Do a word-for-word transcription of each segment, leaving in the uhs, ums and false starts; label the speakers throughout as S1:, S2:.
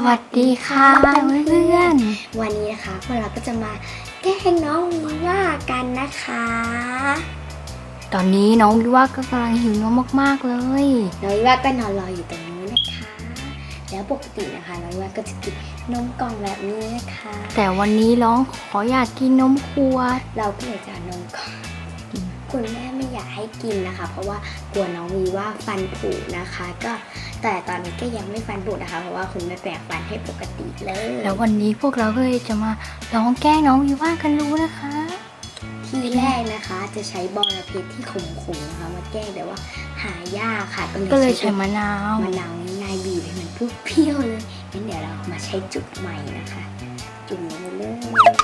S1: วัสดีค่ะเพื่อน
S2: ๆวันนี้นะคะพวกเราก็จะมาแกล้งน้องวิว่ากันนะคะ
S1: ตอนนี้น้องวิว่าก็กำลังหิวนมมากๆเลย
S2: น้องวิว่าก็นอนรออยู่ตรงนี้นะคะแล้วปกตินะคะน้องวิว่าก็จะกินนมกล่องแบบนี้นะคะ
S1: แต่วันนี้น้องขออยากกินนมขวด
S2: เราก็เลยจะนมกล่องคุณแม่ไม่อยากให้กินนะคะเพราะว่ากลัวน้องวีว่าฟันผุนะคะก็แต่ตอนนี้ก็ยังไม่ฟันผุนะคะเพราะว่าคุณแม่แปรงฟันให้ปกติเลย
S1: แล้ววันนี้พวกเราก็เลยจะมาลองแกล้งน้องวีว่ากันรู้นะคะ
S2: ทีแรกนะคะจะใช้บอระเพ็ดที่ขมๆนะคะมาแกล้งแต่ว่าหายากค่ะ
S1: ก็เลยใช้มะนาว
S2: มะนาวง่ายบีบให้มันเปรี้ยวเลยงั้นเดี๋ยวเรามาใช้จุดใหม่นะคะจุ่มลงไปเลย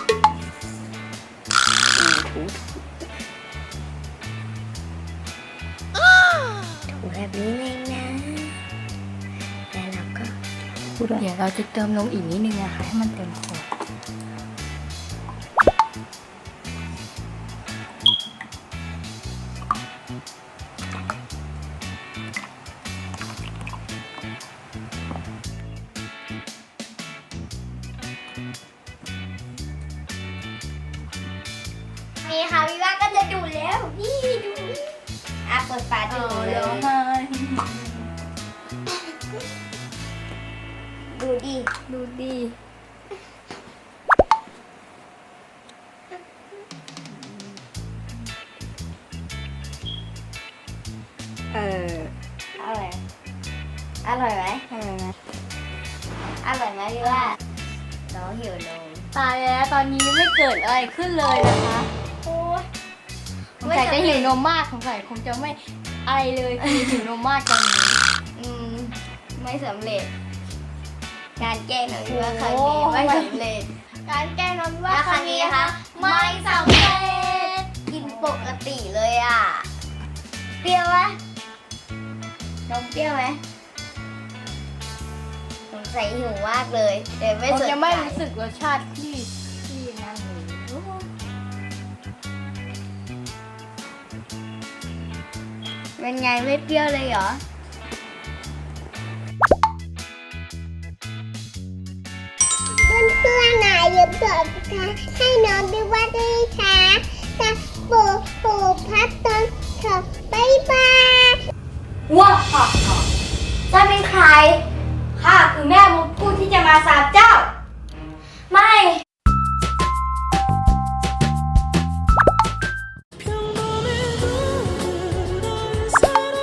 S2: ถูแบบนี้เองนะแล้วเราก็
S1: เดี๋ยวเราจะเติมนมอีกนิดนึงนะคะให้มันเต็มขวด
S2: นี่ค่ะพี่ว่าก็จะดูแล้วนี่ดูอ่ะเปิดฝาดูเลยดูดิ
S1: ดูดิ
S2: เอออร่อยอร่อยไหมอร่อยไหมอร่อยไหมพี่ว่าน้องหิวนม
S1: ตายแล้วตอนนี้ไม่เกิดอะไรขึ้นเลยนะคะโอ้ยสงสัยจะหิวนมมากสงสัยคงจะไม่อะไรเลยคือหิวนมมากตอนนี้
S2: อืมไม่สำเร็จการแกล้งน้องพี่ว่าครั้งนี้ไม่สำเร็จ
S1: การแกล้งน้องพี่ว่า
S2: ครั้งนี้นะคะไม่สำเร็จกินปกติเลยอ่ะเปรี้ยวไหมนมเปรี้ยวไหมสงสัยหิวมากเลยเดี๋ยวไม่สนใจ
S1: จะไม่รู้สึกรสชาติที่ที่นั่นเลย
S2: เป็นไงไม่เปรี้ยวเลยเหรอเพื่อนเพื่อนนะอย่าเปิดค่ะให้น้องด้วยว่าด้วยค่ะจะปูปูพัดตอนเถอะบ๊ายบาย
S1: ว้าฮ่าฮ่า
S2: จะเป็นใครข้าคือแม่มดผู้ที่จะมาสาบเจ้า